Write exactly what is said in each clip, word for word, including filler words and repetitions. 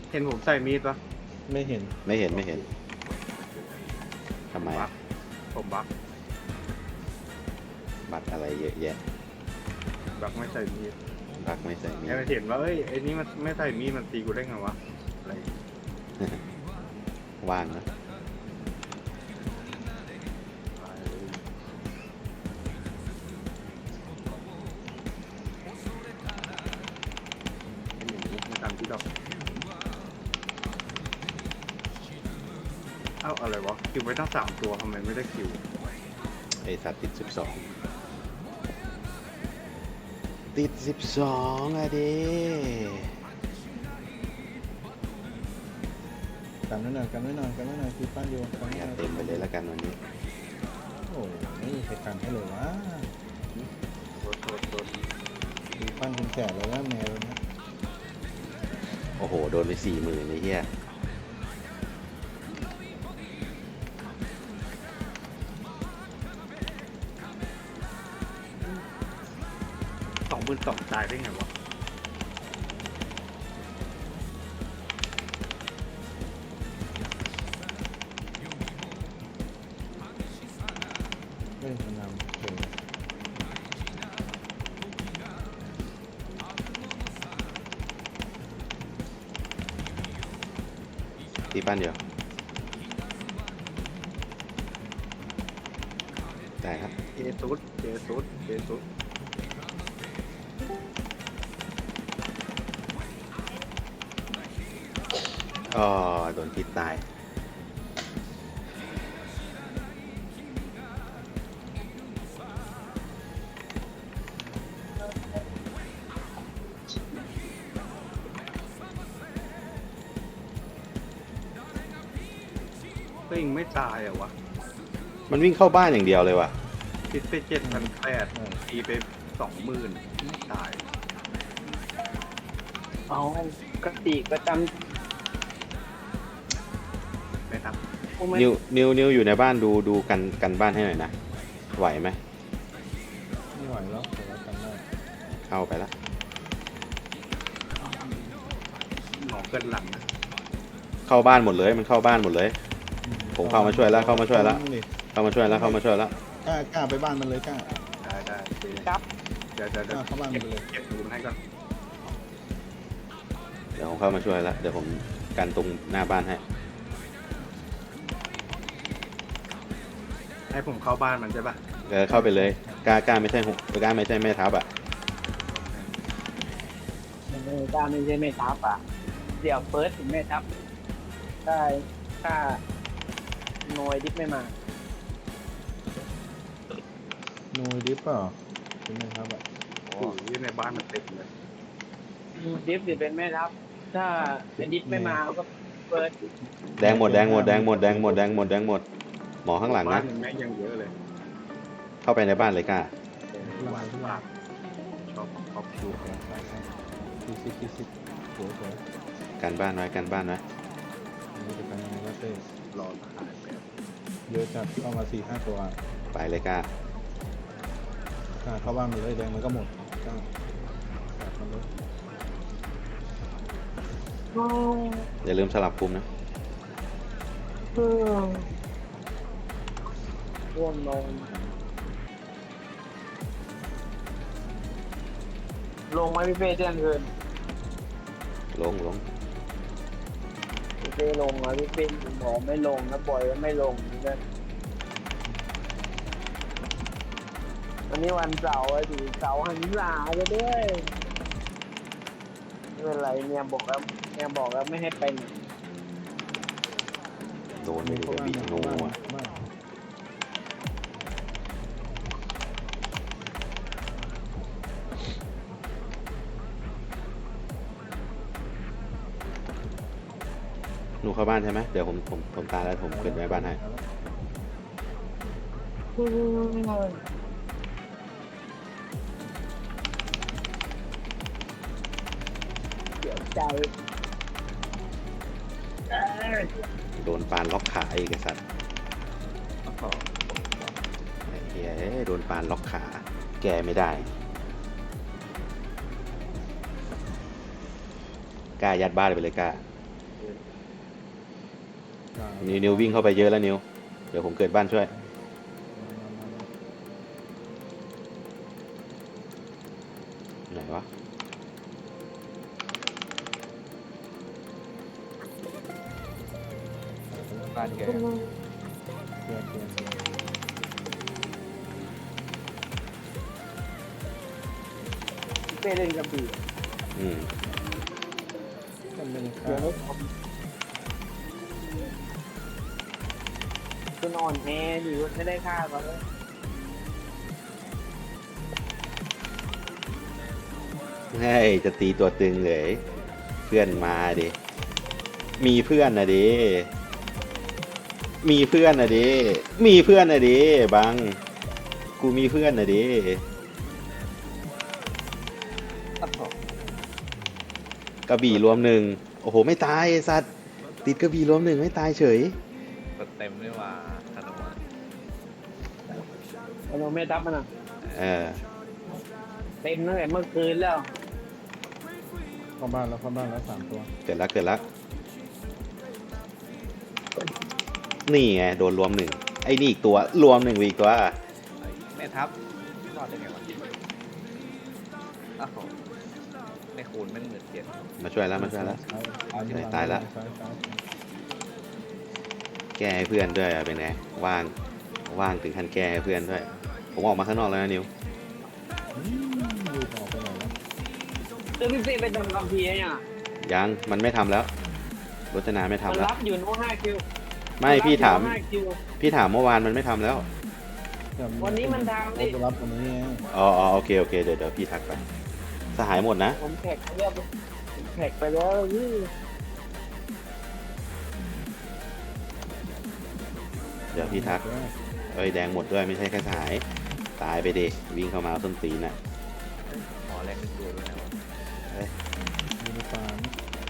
เห็นผมใส่มีดปะไม่เห็นไม่เห็นไม่เห็นทำไมบักผมบักบัตรอะไรเยอะแยะบักไม่ใส่มีดบักไม่ใส่มีแค่เห็นว่าเอ้ยไอ้นี่มันไม่ใส่มีดมันตีกูได้ไงวะอะไรว่างนะไอ้หนูไม่ตามที่ดอกเอ้าอะไรวะคิวไว้ตั้งสามตัวทำไมไม่ได้คิวไอสัตว์ติดสิบสองติดสิบสองอะดิกันไว้หน่อยกันไว้หน่อยกันไว้หน่อยคือปั้นอยู่กันไว้หอย่าน่อยเต็มไปเลยแล้วกันวันนี้โอ้ไม่มีใครกันให้เลยวะโดนโดนโดนคือปั้นคุณแก่เลยนะแมวนะโอ้โหโดนไปสี่หมื่นไอ้เหี้ยสองหมื่นสองตายได้ไงวะเฮ้ยมันนำเก่งตีปั้นเดียวได้ครับเจซุดเจซุดเจซุดอ๋อโดนพิษตายก็ยังไม่ตายอ่ะวะมันวิ่งเข้าบ้านอย่างเดียวเลยว่ะคิดไปเจ็ดพันแปดตีไปสองหมื่นไม่ตายเอากติประจไม่ครับำกูไม่นิวนิวนิวอยู่ในบ้านดูดูกันกันบ้านให้หน่อยนะไหวไหมไม่ไหวแล้วแต่ว่ากันได้เข้าไปละหมอเกินหลังนะเข้าบ้านหมดเลยมันเข้าบ้านหมดเลย ผมเข้ามาช่วยแล้วเข้ามาช่วยแล้วดิเข้ามาช่วยแล้วเข้ามาช่วยแล้วกล้ากล้าไปบ้านมันเลยกล้าได้ได้เดี๋ยวครับเดี๋ยวเดี๋ยวกเดี๋ยวล้าเข้าบ้านมัเก็นบไปเลยเก็บปูนให้ก่อนเดี๋ยวผมเข้ามาช่วยแล้วเดี๋ยวผมกันตรงหน้าบ้านให้ให้ผมเข้าบ้านมันใช่ปะเออเข้าไปเลยกล้ากล้าไม่ใช่หกกล้าไม่ใช่แม่ทัพอ่ะเออถ้าไม่ใช่ไม่ทับอ่ะ เดี๋ยวเฟิร์สถึงไม่ทับได้ถ้าหน่วยดิฟไม่มานูดิฟเปล่าเป็นไงครับอ่ะโอ้ยในบ้านมันเต็มเลยดิฟหรือเป็นแม่ทับ ถ้าไอ้ดิฟไม่มาก็เฟิร์สแดงหมดแดงหมดแดงหมดแดงหมดแดงหมดแดงหมดหมอข้างหลังบ้านะนยังแม่งยังเยอะเลยเข้าไปในบ้านเลยกล้าบ้านบ้านชอบชอบดูไปไปคิดคิดคิดคิดสวยสวยกันบ้านไว้กันบ้านไว้อันนี้จะกันยังไงวะเต้รอหายไปเยอะจัดเข้ามาสี่ห้าตัวไปเลยกล้ากล้าเข้าบ้านมันเลยแดงมันก็หมดกล้าตัดมันเลยอย่าลืมสลับคุมนะร่วงลง ลงไหมพี่เป้เที่ยงคืนลงลงพี่เป้ลงอ่ะพี่เป้บอกไม่ลงนะปล่อยก็ไม่ลงเหมือนกันวันนี้วันเสาร์อะดิเสาร์หันษาจะด้วยไม่เป็นไรเนี่ยบอกแล้วเนี่ยบอกแล้วไม่ให้ไปไหนโดนไปดิกระบี่โน่อะบ้านหนูเข้าบ้านใช่ไหมเดี๋ยวผมผมผมตายแล้วผมขึ้นไปบ้านให้เสียใจเอ้ยโดนปานล็อกขาอีกไอ้สัตว์ไอ้เหี้ยเอ้ยโดนปานล็อกขา แกไม่ได้กล้ายัดบ้านไปเลยกล้านิวนิววิ่งเข้าไปเยอะแล้วนิวเดี๋ยวผมเกิดบ้านช่วยไหนวะบ้านแกเพื่อนเพื่อนเป้เล่นกระบี่อืมมันเป็นเดี๋ข้ายววคุณอ่อนแอดิไม่ได้ฆ่าเขาเลยเฮ้ยจะตีตัวตึงเลยเพื่อนมาดิมีเพื่อนนะดิมีเพื่อนนะดิมีเพื่อนนะดิบังกูมีเพื่อนนะดิกระบี่รวมหนึ่งโอ้โหไม่ตายไอ้สัตว์ติดกระบี่รวมหนึ่งไม่ตายเฉยกดเต็มไม่ว่าธนูอะเราไม่ทับมันอ่ะเออเต็มตั้งแต่เมื่อคืนแล้วเข้าบ้านแล้วเข้าบ้านแล้วสามตัวเกิดละเกิดละนี่ไงโดนรวมหนึ่งไอ้นี่อีกตัวรวมหนึ่งอีกตัวแม่ทัพรอดได้ไงวะอ้าวในคูณแม่งเหมือนเจ็ดมาช่วยแล้วมาช่วยแล้วซ้ตายละซ้ายซ้ายแก้ให้เพื่อนด้วยอะเป็นไงว่างว่างถึงขั้นแก้ให้เพื่อนด้วย ผมออกมาข้างนอกแล้วนะนิวอืมดูออกไปไหนแล้วเรื่องพี่เป้ไปทำกัมพีร์เนี่ยยังมันไม่ทำแล้วรจนาไม่ทำมันแล้วรับอยู่นู้นห้าคิวไม่พี่ถามนรับอยู่ห้คิวพี่ถามเมื่อวานมันไม่ทำแล้ววันนี้มันทำดิโอ้รับวันนี้ไงอ๋ออ๋อโอเคโอเคเดี๋ยวเดี๋ยวพี่ทักไปสหายหมดนะผมแท็กไปแล้วผมแท็กไปแล้วนี่เดี๋ยวพี่ทักเอ้ยแดงหมดด้วยไม่ใช่แค่สหายตายไปดิวิ่งเข้ามาเอาส้นตีนน่ะหมอแรงเป็นตัวด้วยนะวะยูนิฟาร์ม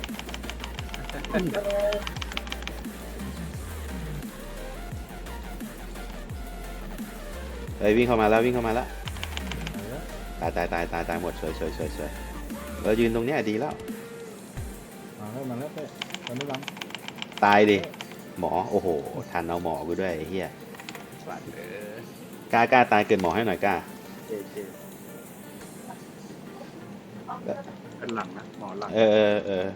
เอ้ยวิ่งเข้ามาแล้ววิ่งเข้ามาแล้วไหนแล้วตายตายตายตายตายหมดสวยสวยสวยสวยเรายืนตรงเนี้ยดีแล้วมาแล้วมาแล้วเต้ตอนนี้บังตายดิหมอโอ้โหทันเอาหมอกูด้วยไอ้เหี้ยบาดเออกล้ากล้าตายเกินหมอให้หน่อยกล้าเจเจเป็นหลังนะหมอหลังเออเออเออ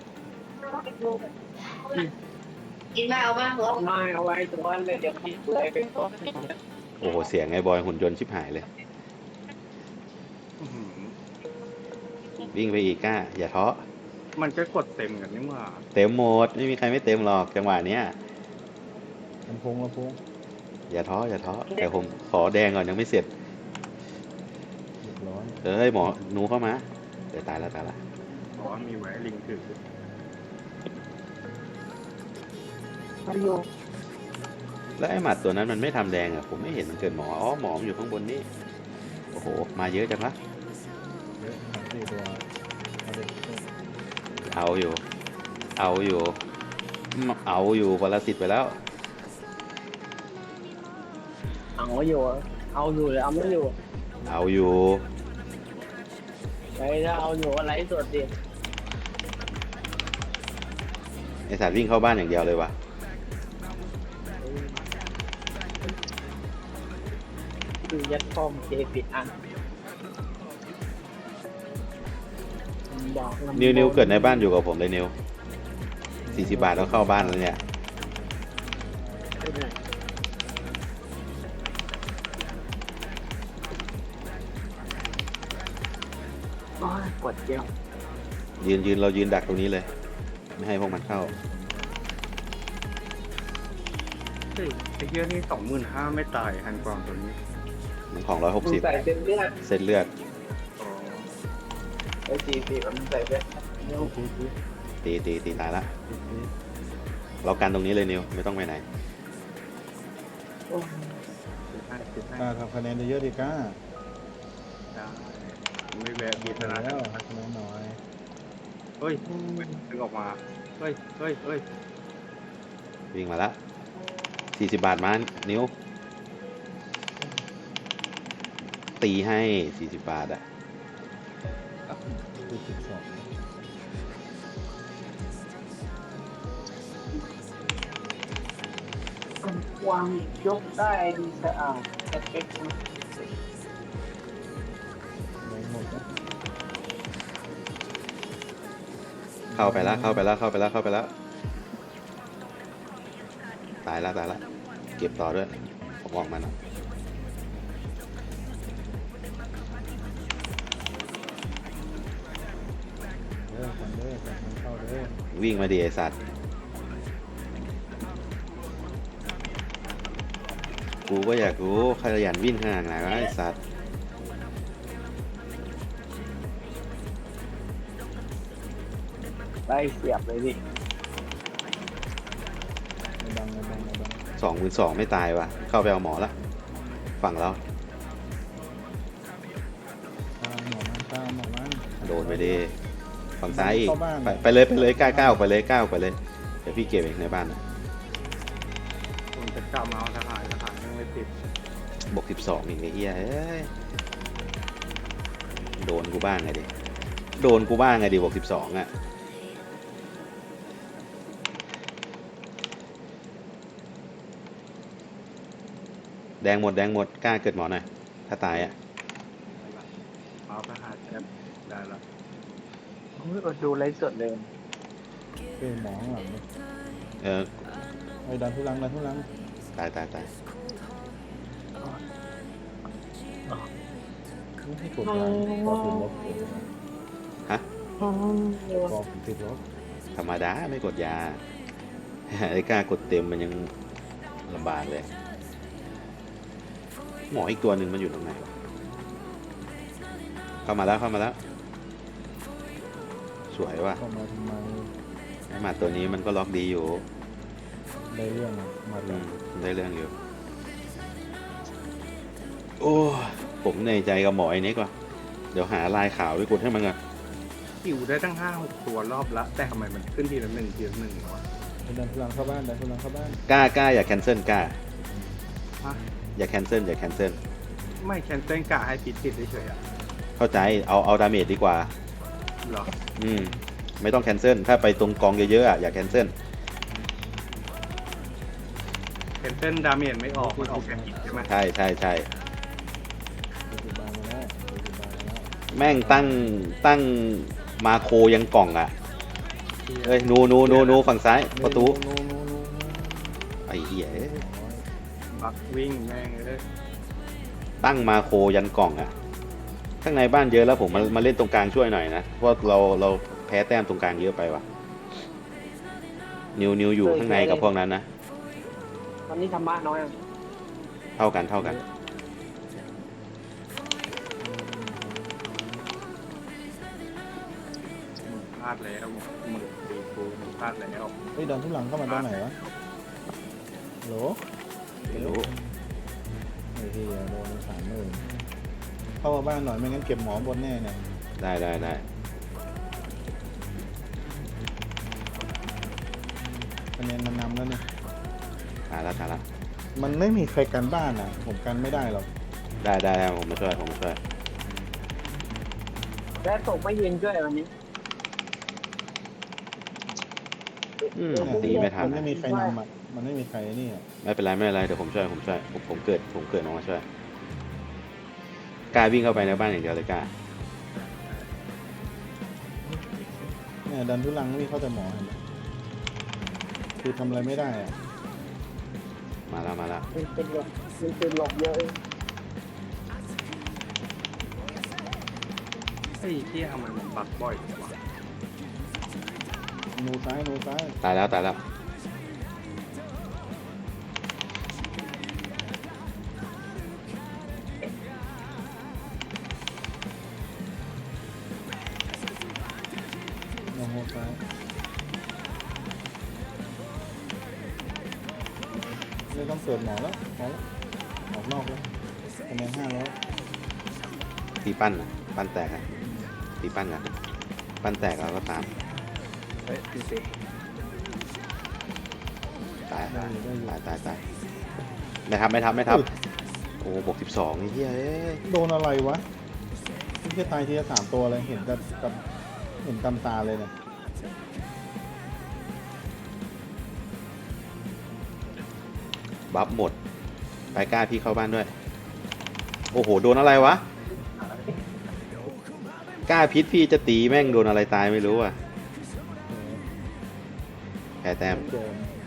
กินไม่เอาบ้างเหรอไม่เอาไว้ตัวเลยเดี๋ยวพี่เลยเป็นตัวโอ้โหเสียงไอ้บอยหุ่นยนต์ชิบหายเลยอื้อหือวิ่งไปอีกกล้าอย่าท้อมันก็กดเต็มกันนี่หว่าเต็มหมดไม่มีใครไม่เต็มหรอกจังหวะเนี้ยลำโพงลำโพงอย่าท้ออย่าท้อแต่ผมขอแดงก่อนยังไม่เสร็จเรียบร้อยเอ้ยหมอหนูเข้ามาเดี๋ยวตายแล้วตายละหมอมีไว้ลิงถือประโยชน์แล้วไอ้หมัดตัวนั้นมันไม่ทำแดงอ่ะผมไม่เห็นมันเกิดหมออ๋อหมอมันอยู่ข้างบนนี่โอ้โหมาเยอะจังละเยอะสามสี่ตัวเอาเด็กเต้เอาอยู่ เอาอยู่อืมเอาอยู่ปรสิตไปแล้วเอาอยู่เอาอยู่หรือเอาไม่อยู่เอาอยู่ไอ้ถ้าเอาอยู่อะไรสดดิไอสัตว์วิ่งเข้าบ้านอย่างเดียวเลยวะคือยัดคอมเคปิดอันบอกลำนิวนิวเกิดในบ้านอยู่กับผมเลยนิวสี่สิบบาทแล้วเข้าบ้านแล้วเนี่ยโอ้ยกดเจียวยืนยืนเรายืนดักตรงนี้เลย ไม่ให้พวกมันเข้าเฮ้ยไอ้เหี้ยนี่สองหมื่นห้าไม่ตายฮันกวางตัวนี้มันของร้อยหกมึงสิบใส่เต็มเลือดเส้นเลือดอ๋อไอ้สี่สิบมันใส่เต็มตีตีตีตีตีตายละตีตีเรากันตรงนี้เลยนิวไม่ต้องไปไหนโอ้ยสิบห้าสิบห้ากล้าทำคะแนนเยอะๆดิกล้าได้ไม่แวะบีเสชร็จนะแล้วทำคะแนนหน่อยเฮ้ยดึงออกมาเฮ้ยเฮ้ยเฮ้ยวิ่งมาละสี่สิบบาทมานิวตีให้สี่สิบบาทอะตีสิบสองวางยกได้ดีสะอาดสเปคนะแดงหมดแล้วเข้าไปแล้วเข้าไปแล้วเข้าไปแล้วเข้าไปแล้วตายแล้วตายแล้วเก็บต่อด้วยผมออกมาหน่อยเด้อกันเด้อกันมันเข้าเด้อวิ่งมาดิไอสัตว์กูก็อยากรู้ขยันวิ่งขนาดไหนวะไอสัตว์ได้เสียบเลยดิไม่ดังไม่ดังไม่ดังสองหมื่นสองไม่ตายวะเข้าไปเอาหมอละฝั่งเราตามหมอมันตามหมอมันโดนไปดิฝั่งซ้ายอีกเข้าบ้านไปไปเลยไปเลยก้าวก้าวไปเลยก้าวไปเลยเดี๋ยวพี่เก็บเองในบ้านนะผมจะกลับมาเอาทหารทหารยังไม่ติดบวกสิบสองอีกไอ้เหี้ยเอ้ยโดนกูบ้างไงดิโดนกูบ้างไงดิบวกสิบสองอ่ะแดงหมดแดงหมดกล้าเกิดหมอหน่อยถ้าตายอ่ะเอาทหารแอปได้แล้วโอ้ยอดดูไลฟ์สดเลยเป้หมอข้างหลังเลยเออไอ้ดันทุลังดันทุลังตายตายตายไม่ให้กดยางกอติดลบฮะกอติดลบธรรมดาไม่กดยา ไอ้กล้ากดเต็มมันยังลำบากเลย หมออีกตัวหนึ่งมันอยู่ตรงไหนวะเข้ามาแล้วเข้ามาแล้ว สวยว่ะเข้ามาทำไมไอ้หมัดตัวนี้มันก็ล็อกดีอยู่ได้เรื่องอะมาอืเลยมได้เรื่องอยู่ โอ้ผมในใจกับหมอไอ้นี้ก่อนเดี๋ยวหาลายขาวไปกดให้มันก่อนหิวได้ตั้งห้าหกตัวรอบละแต่ทำไมมันขึ้นทีละหนึ่งทีละหนึ่งวะไอ้ดันทุลังเข้าบ้านดันทุลังเข้าบ้านกล้ากล้าอย่าแคนเซิลกล้าฮะอย่าแคนเซิลอย่าแคนเซิลไม่แคนเซิลกะให้ปิดติดเฉยๆอ่ะเข้าใจเอาเอาดาเมจดีกว่าเหรออืมไม่ต้องแคนเซิลถ้าไปตรงกองเยอะๆอ่ะอย่าแคนเซิลแคนเซิลดาเมจไม่ออกมันออกแค่ผิดใช่ไหมใช่ใช่ใช่ดูสิบามาแล้วดูสิบามาแล้วแม่งตั้งตั้งมาโคยังกล่องอ่ะเอ้ยนูนูนูนูฝั่งซ้ายประตูนูนูนูนูไอ้เหี้ยเอ้ยบักวิ่งแม่งเลยตั้งมาโคยันกล่องอ่ะข้างในบ้านเยอะแล้วผมมามาเล่นตรงกลางช่วยหน่อยนะเพราะเราเราแพ้แต้มตรงกลางเยอะไปว่ะนิวนิวอยู่ข้างในกับพวกนั้นนะตอนนี้ธรรมะน้อยอะเท่ากันเท่ากันมึงพลาดแล้วมึงตีกูมึงพลาดแล้วไอ้ดันทุลังเข้ามาตอนไหนวะโหลไม่รู้ไอ้เหี้ยโดนสามหมื่นเข้ามาบ้านหน่อยไม่งั้นเก็บหมอบนแน่เนี่ยได้ได้ได้คะแนนมันนำแล้วเนี่ยตายละตายละมันไม่มีใครกันบ้านอ่ะ ผมกันไม่ได้หรอกได้ได้ได้ผมมาช่วยผมมาช่วยและส่งไม่ยืนช่วยวันนี้อืมตีไม่ทันมันนะไม่มีใครนำอ่ะมันไม่มีใครนี่อ่ะไม่เป็นไรไม่เป็นไรเดี๋ยวผมช่วยผมช่วยผมผมเกิดผมเกิดออกมาช่วยกล้าวิ่งเข้าไปในบ้านอย่างเดียวเลยกล้าเนี่ยดันทุลังนี่เขาแต่หมอเห็นไหมคือทำอะไรไม่ได้อ่ะมาแล้วมาแล้วมันเป็นหลบมันเป็นหลบเยอะไอ้ที่ทำไมมันบักบ่อยจังวะนูซ้ายนูซ้ายตายแล้วตายแล้วโนโฮซ้ายไม่ต้องเปิดหมอแล้วหมอแล้วออกนอกแล้วคะแนนห้าร้อยตีปั้นน่ะปั้นแตกอะตีปั้นกันปั้นแตกแล้วก็ตามเฮ้ยพี่เต้ตายได้ตายอยู่ได้อยู่ตายตายตายไม่ทำไม่ทำไม่ทำโอ้บวกสิบสองไอ้เหี้ยเอ้ยโดนอะไรวะที่จะตายทีละสามตัวเลยเห็นกับกับเห็นกำตาเลยเนี่ยบัฟหมด ไปกล้าพี่เข้าบ้านด้วย โอ้โห โดนอะไรวะ กล้าพิษพี่จะตีแม่งโดนอะไรตายไม่รู้อ่ะ แพ้แต้มเจอ